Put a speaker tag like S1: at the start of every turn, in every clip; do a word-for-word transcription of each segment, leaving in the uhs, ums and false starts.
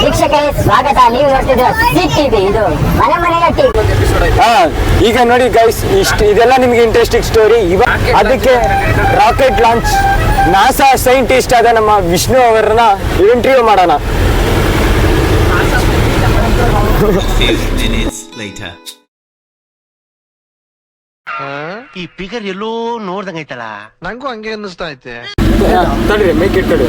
S1: ವೀಕ್ಷಕರೇ ಸ್ವಾಗತ. ನೀವು ನೋಡ್ತಿದ್ದೀರ ಟಿವಿ, ಇದು ಮನೆ ಮನೆಯ ಟಿವಿ.
S2: ಹಾ, ಈಗ ನೋಡಿ ಗೈಸ್, ಇಷ್ಟು ಇದೆಲ್ಲ ನಿಮ್ಗೆ ಇಂಟ್ರೆಸ್ಟಿಂಗ್ ಸ್ಟೋರಿ. ಇವಾಗ ಅದಕ್ಕೆ ರಾಕೆಟ್ ಲಾಂಚ್ ನಾಸಾ ಸೈಂಟಿಸ್ಟ್ ಆದ ನಮ್ಮ ವಿಷ್ಣು ಅವರನ್ನ ಇಂಟರ್ವ್ಯೂ ಮಾಡೋಣ.
S3: ಈ ಪಿಗರ್ ಎಲ್ಲೋ ನೋಡ್ದಂಗೈತಲ್ಲ,
S4: ನಂಗೂ ಹಂಗೆ ಅನ್ನಿಸ್ತಾ ಐತೆ.
S2: ತಡ್ರಿ ಮೈಕ್ ಇಟ್ಕೊಡಿ.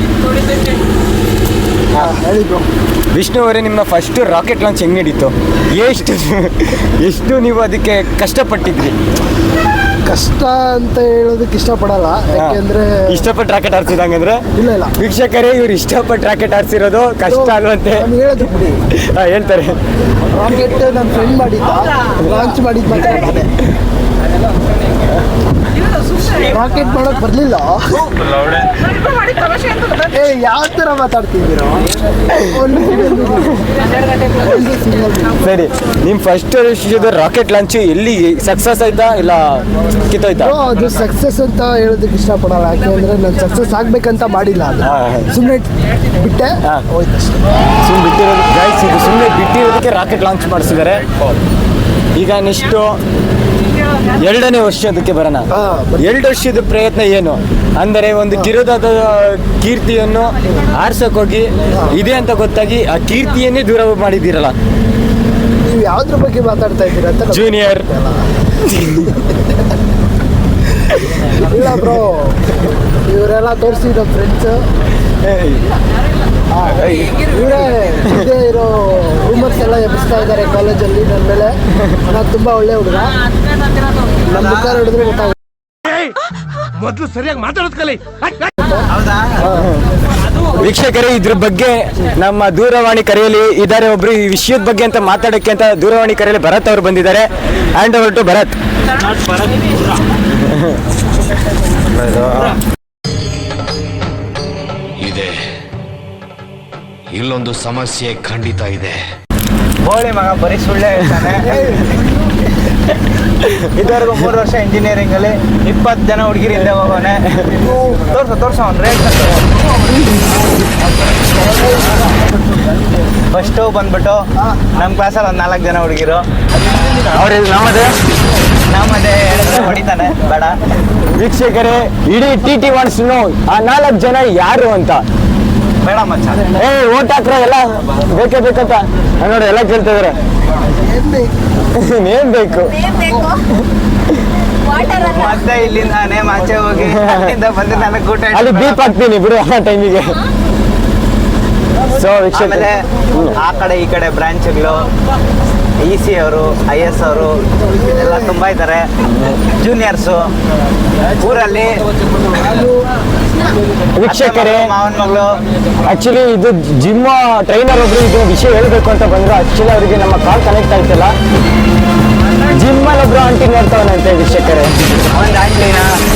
S2: ವಿಷ್ಣು ಅವರೇ, ನಿಮ್ಮ ಫಸ್ಟ್ ರಾಕೆಟ್ ಲಾಂಚ್ ಹೆಂಗ್ ನಡೀತು? ಎಷ್ಟು ಎಷ್ಟು ನೀವು ಅದಕ್ಕೆ ಕಷ್ಟಪಟ್ಟಿದ್ರಿ?
S4: ಕಷ್ಟ ಅಂತ ಹೇಳೋದಕ್ಕೆ ಇಷ್ಟಪಡಲ್ಲ, ಯಾಕೆಂದ್ರೆ
S2: ಇಷ್ಟಪಟ್ಟು ರಾಕೆಟ್ ಹಾರಿಸಿದಂಗಂದ್ರೆ
S4: ಇಲ್ಲ ಇಲ್ಲ
S2: ವೀಕ್ಷಕರೇ, ಇವ್ರು ಇಷ್ಟಪಟ್ಟು ರಾಕೆಟ್ ಹಾರಿಸಿರೋದು ಕಷ್ಟ ಅಲ್ವಂತೆ.
S4: ಹೇಳಿದ್ರು ಬಿಡಿ,
S2: ಹೇಳ್ತಾರೆ.
S4: ರಾಕೆಟ್ ನನ್ನ ಫ್ರೆಂಡ್ ಮಾಡಿದ್ದ, ಲಾಂಚ್ ಮಾಡಿದ್ ಮಾತಾಡ್ತಾರೆ. ರಾಕೆಟ್ ಮಾಡಕ್ ಬರ್ಲಿಲ್ಲ. ಏ ಯಾವ ತರ ಮಾತಾಡ್ತಿದ್ದೀರೋ?
S2: ಸರಿ, ನಿಮ್ ಫಸ್ಟ್ ರಾಕೆಟ್ ಲಾಂಚ್ ಎಲ್ಲಿ ಸಕ್ಸಸ್ ಆಯ್ತಾ ಇಲ್ಲ ಕಿತ್ತೋಯ್ತಾ?
S4: ಅದು ಸಕ್ಸಸ್ ಅಂತ ಹೇಳೋದಕ್ಕೆ ಇಷ್ಟಪಡಲ್ಲ, ಯಾಕೆಂದ್ರೆ ನಾನು ಸಕ್ಸಸ್ ಆಗ್ಬೇಕಂತ ಮಾಡಿಲ್ಲ. ಅದು ಸುಮ್ಮನೆ ಬಿಟ್ಟೆ ಹೋಯ್ತು.
S2: ಸುಮ್ಮನೆ ಬಿಟ್ಟಿರೋದು ಗೈಸ್, ಇದು ಸುಮ್ಮನೆ ಬಿಟ್ಟಿರೋದಕ್ಕೆ ರಾಕೆಟ್ ಲಾಂಚ್ ಮಾಡಿಸಿದ್ದಾರೆ. ಈಗ ನೆಕ್ಸ್ಟ್ ಎರಡನೇ ವರ್ಷದಕ್ಕೆ ಬರೋಣ. ಎರಡು ವರ್ಷದ ಪ್ರಯತ್ನ ಏನು ಅಂದರೆ, ಒಂದು ಕಿರುದಾದ ಕೀರ್ತಿಯನ್ನು ಆರ್ಸೋಕೋಗಿ ಇದೆ ಅಂತ ಗೊತ್ತಾಗಿ ಆ ಕೀರ್ತಿಯನ್ನೇ ದೂರ ಮಾಡಿದ್ದೀರಲ್ಲ.
S4: ನೀವು ಯಾವ್ದ್ರ ಬಗ್ಗೆ ಮಾತಾಡ್ತಾ ಇದ್ದೀರಾ ಅಂತ
S2: ಜೂನಿಯರ್.
S4: ಇಲ್ಲ ಬ್ರೋ, ಇವರೆಲ್ಲ ತೋರಿಸಿ ನಮ್ಮ ಫ್ರೆಂಡ್ಸ್ ಇವರೇ ಇದೇ ಇರೋ ರೂಮರ್ಸ್ ಎಲ್ಲ ಎಬ್ಬಿಸ್ತಾ ಇದ್ದಾರೆ ಕಾಲೇಜಲ್ಲಿ ನನ್ನ ಮೇಲೆ. ನಾನು ತುಂಬಾ ಒಳ್ಳೆ ಹುಡುಗ, ನಮ್ಮ ಮುಖ ನೋಡಿದ್ರೆ ಗೊತ್ತಾಗುತ್ತೆ.
S3: ಮೊದ್ಲು ಸರಿಯಾಗಿ ಮಾತಾಡೋದ್ ಕಲಿ.
S2: ವೀಕ್ಷಕರೇ, ಇದ್ರ ಬಗ್ಗೆ ನಮ್ಮ ದೂರವಾಣಿ ಕರೆಯಲ್ಲಿ ಇದ್ದಾರೆ ಒಬ್ರು ಈ ವಿಷಯದ ಬಗ್ಗೆ ಅಂತ ಮಾತಾಡಕ್ಕೆ ಅಂತ ದೂರವಾಣಿ ಕರೆಯಲ್ಲಿ ಭರತ್ ಅವರು ಬಂದಿದ್ದಾರೆ. Hand over to Bharat.
S5: ಇದೆ, ಇಲ್ಲೊಂದು ಸಮಸ್ಯೆ ಖಂಡಿತ ಇದೆ.
S6: ಹೋಳಿ ಮಗ ಬರೀ ಸುಳ್ಳೆ ಹೇಳ್ತಾನೆ. ಇದುವರೆಗೂ ಮೂರು ವರ್ಷ ಇಂಜಿನಿಯರಿಂಗ್ ಅಲ್ಲಿ ಇಪ್ಪತ್ತು ಜನ ಹುಡುಗಿರು ಹಿಂದೆ ಹೋಗೋನೆ. ತೋರ್ಸ ತೋರ್ಸ ಅವ್ನು ರೇಟ್ ಫಸ್ಟು ಬಂದ್ಬಿಟ್ಟು ನಮ್ಮ ಕ್ಲಾಸಲ್ಲಿ ಒಂದು ನಾಲ್ಕು ಜನ ಹುಡುಗಿರು.
S2: ಅವ್ರ ನಮ್ಮದೇ
S6: ನಮ್ಮದೇ ಹೇಳಿದ್ರೆ ಹೊಡಿತಾನೆ, ಬೇಡ.
S2: ವೀಕ್ಷಕರೇ, ಇಡೀ ಟಿ ಟಿ ವಾಂಟ್ಸ್ ನೋ ಆ ನಾಲ್ಕು ಜನ ಯಾರು ಅಂತ.
S6: ಬೇಡ ಮಚ್ಚ,
S2: ಏ ಓಟ್ ಹಾಕ್ರ ಎಲ್ಲ ಬೇಕೇ ಬೇಕಂತ ನೋಡಿ ಎಲ್ಲ ಕೇಳ್ತಾ ಇದಾರೆ. ಏನ್ ಬೇಕು
S6: ಮತ್ತೆ ಇಲ್ಲಿಂದ ನೇಮ್ ಆಚೆ ಹೋಗಿ ಅಲ್ಲಿಂದ ಬಂದು ನನಗೆ ಊಟ
S2: ಅಲ್ಲಿ ಬೀಪ್ ಹಾಕ್ತೀನಿ ಬಿಡು ಆ ಟೈಮಿಗೆ. ಸೊ
S6: ಆಮೇಲೆ ಆ ಕಡೆ ಈ ಕಡೆ ಬ್ರಾಂಚ್ಗಳು, ಇ ಸಿ ಅವರು, ಐ ಎಸ್ ಅವರು ಎಲ್ಲ ತುಂಬ ಇದ್ದಾರೆ. ಜೂನಿಯರ್ಸು ಊರಲ್ಲಿ
S2: ವೀಕ್ಷಕರೇ,
S6: ಮಾವನ ಮಗಳು.
S2: ಆಕ್ಚುಲಿ ಇದು ಜಿಮ್ ಟ್ರೈನರ್ ಒಬ್ರು ಇದು ವಿಷಯ ಹೇಳ್ಬೇಕು ಅಂತ ಬಂದ್ರು. ಆಕ್ಚುಲಿ ಅವರಿಗೆ ನಮ್ಮ ಕಾಲ್ ಕನೆಕ್ಟ್ ಆಯ್ತಲ್ಲ. ಜಿಮ್ ಅಲ್ಲಿ ಒಬ್ರು ಆಂಟಿ ನೋಡ್ತಾವನಂತೆ ವೀಕ್ಷಕರೇ.
S6: ಒಂದು ಆಂಟಿನ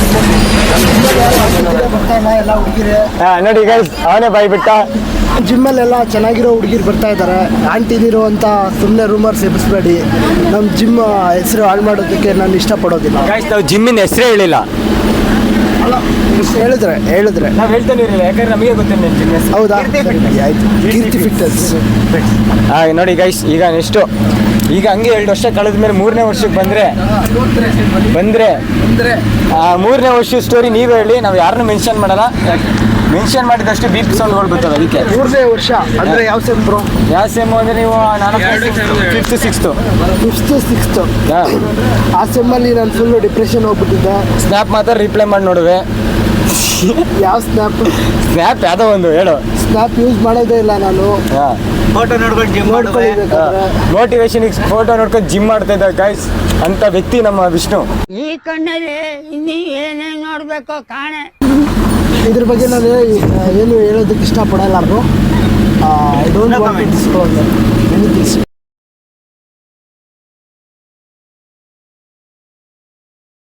S4: ಎಲ್ಲ ಹುಡುಗಿರೆ
S2: ಹಾ ನೋಡಿ ಗೈಸ್, ಅವನೇ ಬಾಯ್ಬಿಟ್ಟ.
S4: ಜಿಮ್ಮಲ್ಲೆಲ್ಲ ಚೆನ್ನಾಗಿರೋ ಹುಡುಗಿರು ಬರ್ತಾ ಇದ್ದಾರೆ. ಆಂಟಿನಿರೋ ಅಂತ ಸುಮ್ಮನೆ ರೂಮರ್ಸ್ ಎಬ್ಬಿಸ್ಬೇಡಿ. ನಮ್ಮ ಜಿಮ್ ಹೆಸರು ಹಾಳು ಮಾಡೋದಕ್ಕೆ ನಾನು ಇಷ್ಟಪಡೋದಿಲ್ಲ.
S2: ಗೈಸ್, ನಾವು ಜಿಮ್ಮಿನ ಹೆಸರೇ ಹೇಳಿಲ್ಲ.
S4: ಅಲ್ಲ, ಹೇಳಿದ್ರೆ ಹೇಳಿದ್ರೆ
S2: ನಾವು ಹೇಳ್ತಾನೆ ಇರಲಿಲ್ಲ, ಯಾಕಂದ್ರೆ ನಮಗೆ ಗೊತ್ತಿಲ್ಲ ಜಿಮ್ ಹೆಸರು.
S4: ಹೌದಾ? ಆಯ್ತು, ಕೀರ್ತಿ ಫಿಟ್ನೆಸ್.
S2: ಹಾ ನೋಡಿ ಗೈಸ್, ಈಗ ನೆಕ್ಸ್ಟು ಈಗ ಹಂಗೆ ಎರಡು ವರ್ಷ ಕಳೆದ ಮೇಲೆ ಮೂರನೇ ವರ್ಷಕ್ಕೆ ಬಂದರೆ ಬಂದರೆ ಆ ಮೂರನೇ ವರ್ಷದ ಸ್ಟೋರಿ ನೀವು ಹೇಳಿ. ನಾವು ಯಾರನ್ನೂ ಮೆನ್ಷನ್ ಮಾಡಲ್ಲ. ಮೆನ್ಷನ್ ಮಾಡಿದಷ್ಟು ಬೀಪ್ ಸೌಂಡ್ಗಳು ಬರ್ತವೆ. ಅದಕ್ಕೆ
S4: ಮೂರನೇ ವರ್ಷ ಅಂದರೆ ಯಾವ ಸೆಮ್ ಬ್ರೋ?
S2: ಯಾವ ಸೆಮ್ ಅಂದರೆ ನೀವು ನಾನು ಫಿಫ್ತ್ ಸಿಕ್ಸ್ತು
S4: ಫಿಫ್ತ್ ಸಿಕ್ಸ್ತ್
S2: ಹಾಂ.
S4: ಆ ಸೆಮ್ಮಲ್ಲಿ ನಾನು ಫುಲ್ಲು ಡಿಪ್ರೆಷನ್ ಹೋಗ್ಬಿಟ್ಟಿದ್ದೆ.
S2: ಸ್ನ್ಯಾಪ್ ಮಾತ್ರ ರಿಪ್ಲೈ ಮಾಡಿ ನೋಡುವೆ.
S4: ಯಾವ ಸ್ನ್ಯಾಪ್?
S2: ಸ್ನ್ಯಾಪ್ ಯಾವುದೋ ಒಂದು ಹೇಳು.
S4: ಸ್ನ್ಯಾಪ್ ಯೂಸ್ ಮಾಡೋದೇ ಇಲ್ಲ ನಾನು.
S2: ಹಾಂ,
S6: ಫೋಟೋ ನೋಡ್ಕೊಂಡು ಜಿಮ್
S4: ನೋಡ್ಕೊಳ್ಬೇಕಾದ್ರೆ
S2: ಮೋಟಿವೇಶನಿಗೆ ಫೋಟೋ ನೋಡ್ಕೊಂಡು ಜಿಮ್ ಮಾಡ್ತಾ ಇದ್ದ ಗೈಸ್ ಅಂತ ವ್ಯಕ್ತಿ ನಮ್ಮ ವಿಷ್ಣು.
S1: ಈ ಕಣ್ಣಲ್ಲಿ ಇನ್ನೀ ಏನೇನು ನೋಡ್ಬೇಕೋ ಕಾಣೆ.
S4: ಇದ್ರ ಬಗ್ಗೆ ನಾನು ಏನು ಹೇಳೋದಕ್ಕೆ ಇಷ್ಟಪಡಲ್ಲ bro. I don't want to disclose anything.